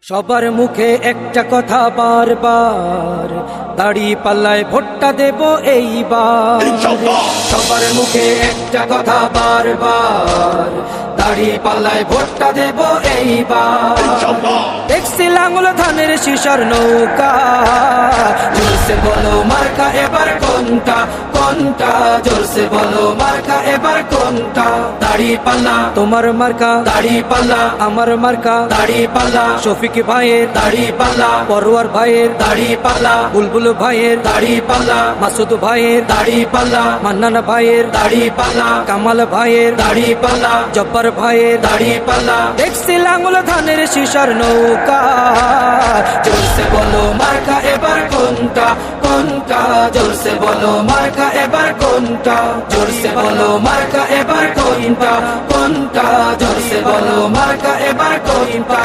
সবার মুখে একটা কথা বারবার, দাড়ি পাল্লায় ভোটটা দেব এইবার। সবার মুখে একটা কথা বারবার, দাড়ি পাল্লায় ভোটটা দেব এইবার। দেখছি লাঙ্গল ধানের শিশার নৌকা, জোরসে বলো মার্কা এবার কোনটা কোনটা, জোরসে বলো মার্কা এবার কোনটা। দাড়ি পাল্লা তোমার মার্কা, দাড়ি পাল্লা আমার মার্কা, দাড়ি পাল্লা শফিক ভাইয়ের দাড়ি পাল্লা, পরোয়ার ভাইয়ের দাড়ি পাল্লা, বুলবুল ভাইয়ের দাড়ি পাল্লা, মাসুদ ভাইয়ের দাড়ি পাল্লা, মান্নান ভাইয়ের দাড়ি পাল্লা, কামাল ভাইয়ের দাড়ি পাল্লা, জব্বার ভাইয়ের দাড়ি পাল্লা। দেখছি লাঙ্গল ধানের শিশার নৌকা, জোরসে বলো মার্কা এবার কোনটা কোনটা, জোরসে বলো মার্কা এবার কোনটা, জোরসে বলো মার্কা এবার কোনটা কোনটা, জোরসে বলো মার্কা এবার কোনটা।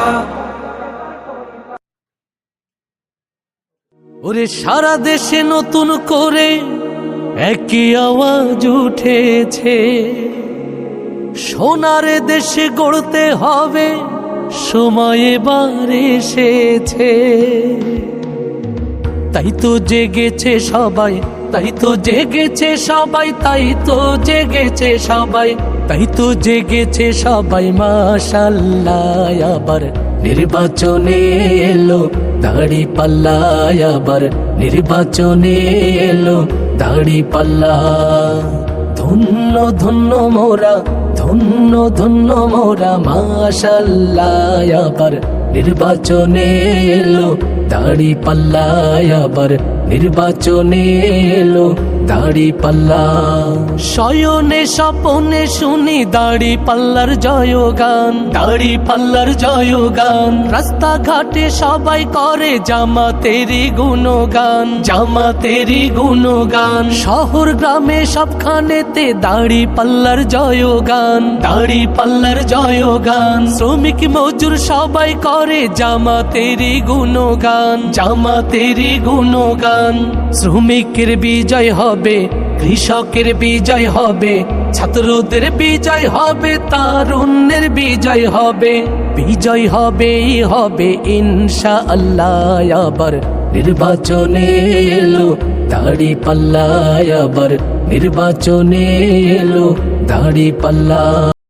ওরে সারা দেশে নতুন করে একই আওয়াজ উঠেছে, সোনার দেশে গড়তে হবে সময় এবার এসেছে। তাই তো জেগেছে সবাই, তাই তো জেগেছে সবাই, তাই তো জেগেছে সবাই, তাই তো জেগেছে সবাই মাশাআল্লাহ। আবার নির্বাচনে এলো দাড়ি পাল্লা, আবার নির্বাচনে এলো দাড়ি পাল্লা। ধন্য ধন্য মোরা, ধন্য ধন্য মোরা মাশাআল্লাহ। আবার নির্বাচনে এলো দাড়ি পাল্লা, আবার নির্বাচনে এলো দাড়ি পাল্লা। শয়নে স্বপনে শুনি দাড়ি পাল্লার জয়গান, দাড়ি পাল্লার জয়গান। রাস্তাঘাটে সবাই করে জামাতেরই গুণগান, জামাতেরই গুণগান। শহর গ্রামে সবখানেতে দাড়ি পাল্লার জয়গান, দাড়ি পাল্লার জয়গান। শ্রমিক মজুর সবাই করে জামাতেরই গুণগান, জামাতেরই গুণগান। শ্রমিকের বিজয় হবে, কৃষকের বিজয় হবে, ছাত্রদের বিজয় হবে, তারুণ্যের বিজয় হবে, বিজয় হবেই হবে ইনশাআল্লাহ। আবার নির্বাচনে এলো দাড়ি পাল্লা, আবার নির্বাচনে এলো দাড়ি পাল্লা।